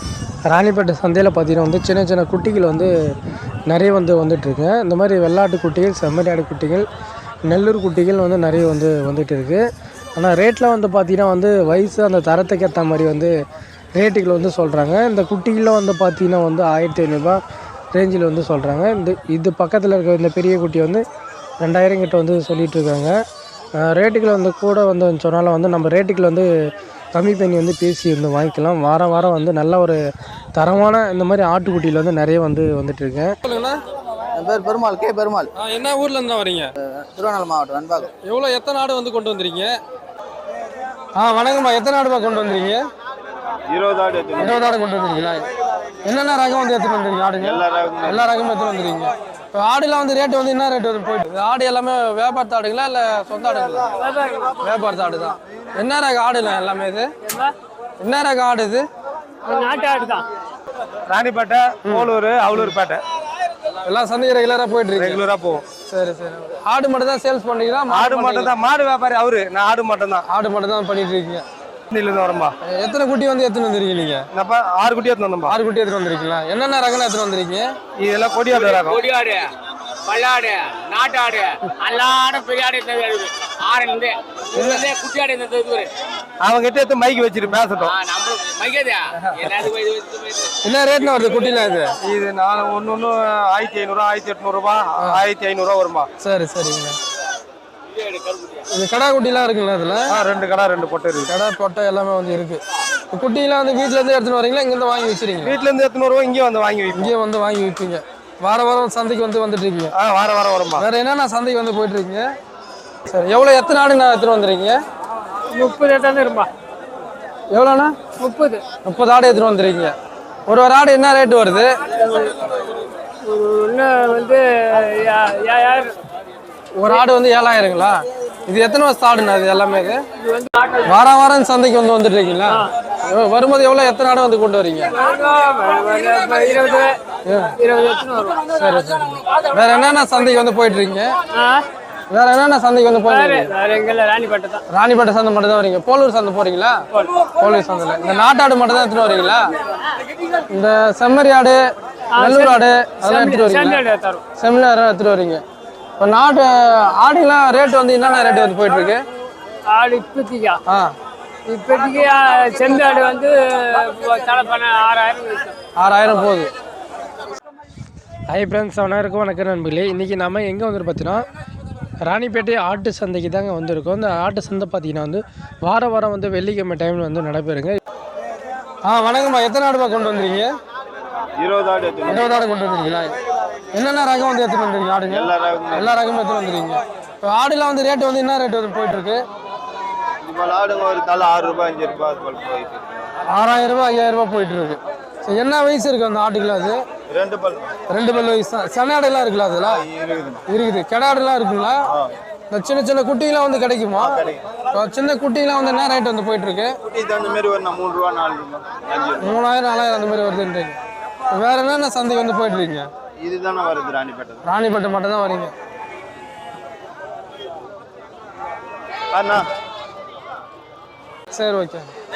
ராணிப்பேட்டை சந்தையில் பார்த்தீங்கன்னா வந்து சின்ன சின்ன குட்டிகள் வந்து நிறைய வந்துட்டுருக்கு. இந்த மாதிரி வெள்ளாட்டு குட்டிகள், செம்மறியாடு குட்டிகள், நெல்லூர் குட்டிகள் வந்து நிறைய வந்துட்டு இருக்குது. ஆனால் ரேட்டில் வந்து பார்த்திங்கன்னா வந்து வயசு அந்த தரத்துக்கு ஏற்ற மாதிரி வந்து ரேட்டுகள் வந்து சொல்கிறாங்க. இந்த குட்டிகளில் வந்து பார்த்திங்கன்னா வந்து 1500 ரேஞ்சில் வந்து சொல்கிறாங்க. இது பக்கத்தில் இருக்க இந்த பெரிய குட்டி வந்து 2000 கிட்ட வந்து சொல்லிகிட்ருக்காங்க. ரேட்டுகள் வந்து கூட வந்து சொன்னாலும் வந்து நம்ம ரேட்டுகள் வந்து கம்மி பண்ணி வந்து பேசி வந்து வாங்கிக்கலாம். வாரம் வாரம் வந்து நல்ல ஒரு தரமான இந்த மாதிரி ஆட்டுக்குட்டியில் வந்து நிறைய வந்துட்டுருக்கேன். சொல்லுங்கண்ணா. என் பேர் பெருமாள், கே பெருமாள். என்ன ஊர்ல இருந்தா வரீங்க? திருவண்ணாமலை மாவட்டம் வெண்பாக்கம். எவ்வளோ எத்தனை ஆடு வந்து கொண்டு வந்துறீங்க? வணக்கம்மா. எத்தனை ஆடுமா கொண்டு வந்துறீங்க? 20 ஆடு. 20 ஆடு கொண்டு வந்துருக்கீங்களா? என்னென்ன ரகம் வந்து எடுத்துட்டு வந்துருக்கீங்க? ஆடுங்க எல்லா ரகமும் எடுத்துட்டு வந்துருக்கீங்க. இப்போ ஆடுலாம் வந்து ரேட்டு வந்து என்ன ரேட்டு வந்து போயிட்டு? ஆடு எல்லாமே வியாபாரத்து ஆடுங்களா இல்லை சொந்த ஆடுங்களா? வியாபாரத்து ஆடு தான். என்ன ரக ஆடுலாம் எல்லாமே? இது என்ன ரக ஆடு? இது நாட்டு ஆடு தான். ராணிப்பேட்டை, போலூர், அவலூர்பேட்டை எல்லாம் சந்தைக்கு ரெகுலராக போயிட்டு இருக்கு. ரெகுலராக போவோம். சரி சரி. ஆடு மட்டும் தான் சேல்ஸ் பண்ணீங்களா? ஆடு மட்டும் தான். மாடு வியாபாரி அவரு, நான் ஆடு மட்டும் தான். ஆடு மட்டும் தான் பண்ணிட்டு இருக்கீங்க. வரம்பா. எத்தனை குட்டி வந்து எடுத்துன்னு வந்துருக்கீங்க நீங்க? 6 குட்டி எடுத்து வந்தோம்பா. 6 குட்டி எடுத்துட்டு வந்திருக்கீங்களா? என்னென்ன ரகம் எடுத்துட்டு வந்திருக்கீங்க? இதெல்லாம் கொடியாடு ரகம். கொடியாடு, பல்லாடு, நாட்டாடு, அல்லாட பெரியாடு குட்டியாடு. அவங்க கிட்ட எடுத்து மைக்கு வச்சிரு பேசட்டும். என்ன ரேட்னா வருது குட்டிலாம்? இது 1500, 1800 ரூபாய், 1500 வரும்பா. சரி சரிங்க. இது கடா குட்டிலாம் இருக்குங்களா? இதுல 2 கடா 2 பொட்டை இருக்கு. கடா பொட்டை எல்லாமே வந்து இருக்கு. குட்டிலாம் வந்து வீட்டுல இருந்து எடுத்துன்னு வரீங்களா? இங்க இருந்து வாங்கி வச்சிருக்கீங்க? வீட்டுல இருந்து எடுத்துன்னு வருவோம், இங்கே வந்து வாங்கி வைப்போம். இங்கே வந்து வாங்கி வைப்பீங்க. வாரம் சந்தைக்கு வந்துட்டு இருக்கீங்க? வாரம் வரும்பா. வேற என்னென்ன சந்தைக்கு வந்து போயிட்டு இருக்கீங்க? சரி. எவ்வளோ எத்தனை ஆடு நான் எடுத்துட்டு வந்துருக்கீங்க? 30 எட்டாந்து இருப்பா. எவ்வளோண்ணா? 30 ஆடு எடுத்துட்டு வந்துருக்கீங்க. ஒரு ஆடு என்ன ரேட்டு வருது? இன்னும் வந்து 7000. ஒரு ஆடு வந்து 7000ங்களா? இது எத்தனை வருஷம் ஆடுண்ணா இது எல்லாமே? இது வாரம் சந்தைக்கு வந்துட்டு இருக்கீங்களா? வரும்போது எவ்வளோ எத்தனை ஆடு வந்து கொண்டு வரீங்க? 20 வரும். சரி சரி. வேற என்னென்ன சந்தைக்கு வந்து போயிட்டு இருக்கீங்க? வேற என்னென்ன சந்தைக்கு வந்து போயிட்டு? ராணிப்பேட்டை தான். ராணிப்பேட்டை சந்தை மட்டும் தான் வரீங்க? போலூர் சந்தை போறீங்களா? போலூர் சந்தையில் இந்த நாட்டாடு மட்டும் தான் எடுத்துட்டு வரீங்களா? இந்த செம்மறி ஆடு, நெல்லூர் ஆடு அதெல்லாம் எடுத்துட்டு வரீங்களா? செம்மறி எடுத்துட்டு வரீங்க. இப்போ நாட்டு ஆடுலாம் ரேட்டு வந்து என்னென்ன ரேட்டு வந்து போயிட்டு இருக்கு? ஆடு இப்போதைக்கா? இப்போதைக்கு செம்மறி ஆடு வந்து 6000 போகுது. ஹாய் ஃப்ரெண்ட்ஸ், வணக்கம் நண்பர்களே. இன்றைக்கி நம்ம எங்கே வந்துட்டு பார்த்தீங்கன்னா ராணிப்பேட்டை ஆட்டு சந்தைக்கு தாங்க வந்திருக்கோம். இந்த ஆட்டு சந்தை பார்த்தீங்கன்னா வந்து வாரம் வந்து வெள்ளிக்கிழமை டைமில் வந்து நடைபெறுங்க. வணக்கம்மா. எத்தனை ஆடுமா கொண்டு வந்துருக்கீங்க? 20 ஆடு. 20 ஆடு கொண்டு வந்துருக்கீங்களா? என்னென்ன ரகம் வந்து எடுத்துட்டு வந்துருக்கீங்க? ஆடுங்க எல்லா ரகமும் எடுத்துட்டு வந்துருக்கீங்க. இப்போ ஆடுலாம் வந்து ரேட்டு வந்து என்ன ரேட்டு வந்து போயிட்டு இருக்கு? ஆடுங்க ஒரு தலை 6 ரூபாய் 5 ரூபாய் போயிட்டு இருக்கு. 6000 ரூபாய் 5000 ரூபாய் போயிட்டு இருக்கு. சரி. என்ன வயசு இருக்கு அந்த ஆட்டுக்குலாம்? அது 2 பல் வயசு தான். செனாடுலாம் இருக்குல்ல? அதெல்லாம் இருக்குது. கெடாடுலாம் இருக்குங்களா? இந்த சின்ன சின்ன குட்டிலாம் வந்து கிடைக்குமா? சின்ன குட்டிலாம் வந்து என்ன ரேட் வந்து போயிட்டு இருக்கு? 3 ரூபாய் 4 ரூபாய் 3000 4000 அந்த மாதிரி வருதுன்றீங்க. வேற என்னென்ன சந்தைக்கு வந்து போயிட்டு இருக்கீங்க? இதுதானே வருது ராணிப்பேட்டை. ராணிப்பேட்டை மட்டும் தான் வரீங்க? அண்ணா சரி ஓகே.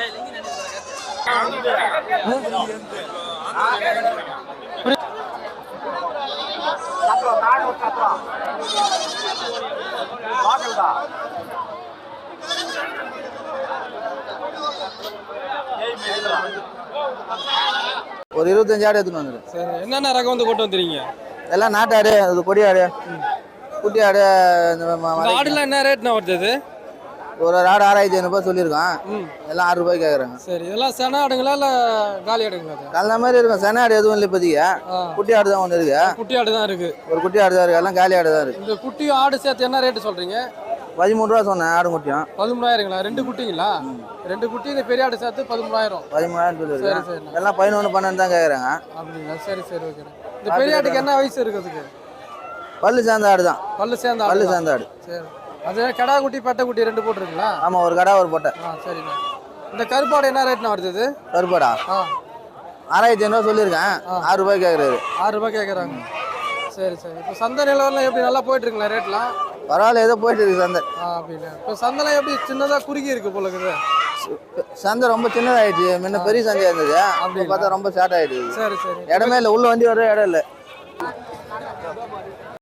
ஒரு 25 ஆடு எடுத்துன்னு வந்துரு. சரி. என்னென்ன ரகம் வந்து கொண்டு வந்துறீங்க? எல்லாம் நாட்டு ஆடு, அது கொடி ஆடு, குட்டி ஆடு. ஆடுலாம் என்ன ரேட்னா வருது? ஒரு ஆடு 6500 சொல்லியிருக்கான். எல்லாம் 6 ரூபாய் கேட்குறாங்க. சரி. இதெல்லாம் சென ஆடுங்களா இல்லை காலி ஆடுங்களா? கல்ல மாதிரி இருக்கும். சென ஆடு எதுவும் இல்லை இப்போதைக்கு. குட்டி ஆடு தான் ஒன்று இருக்கு. குட்டி ஆடு தான் இருக்கு. ஒரு குட்டி ஆடு தான் இருக்கு. எல்லாம் காலி ஆடு தான் இருக்கு. இந்த குட்டி ஆடு சேர்த்து என்ன ரேட்டு சொல்றீங்க? 13 ரூபா சொன்னேன் ஆடு குட்டியும். 13000ங்களா? 2 குட்டிங்களா? 2 குட்டி இந்த பெரிய ஆடு சேர்த்து 13000. 13,000 சொல்லியிருக்கேன். எல்லாம் 11 12 தான் கேட்குறாங்க. அப்படிங்களா? சரி சரி ஓகே. இந்த பெரிய ஆட்டுக்கு என்ன வயசு இருக்குதுக்கு? பல்லு சேர்ந்த ஆடு தான். பல்லு சேர்ந்த ஆடு. சரி. அது கடா குட்டி பட்டை குட்டி 2 போட்டுருக்குங்களா? ஆமாம், ஒரு கடா ஒரு பொட்டை. சரிண்ணா. இந்த கருப்பாடு என்ன ரேட்னா வருது? கருப்பாடா 6500 சொல்லியிருக்கேன். 6 ரூபாய் கேட்குறாரு. 6 ரூபாய் கேட்குறாங்க. சரி சரி. இப்போ சந்தை நிலவரம் எப்படி நல்லா போயிட்டு இருக்குங்களா ரேட்லாம்? பரவாயில்ல ஏதோ போயிட்டு இருக்கு சந்தை. அப்படின்னா இப்போ சந்தைலாம் எப்படி சின்னதாக குறுகி இருக்கு போல இருக்குது. சந்தை ரொம்ப சின்னதாயிடுச்சு, முன்ன பெரிய சந்தையா இருந்தது, அப்படி பார்த்தா ரொம்ப ஷார்ட் ஆயிடுச்சு. சரி சரி. இடமே இல்லை, உள்ள வண்டி வர இடம் இல்லை.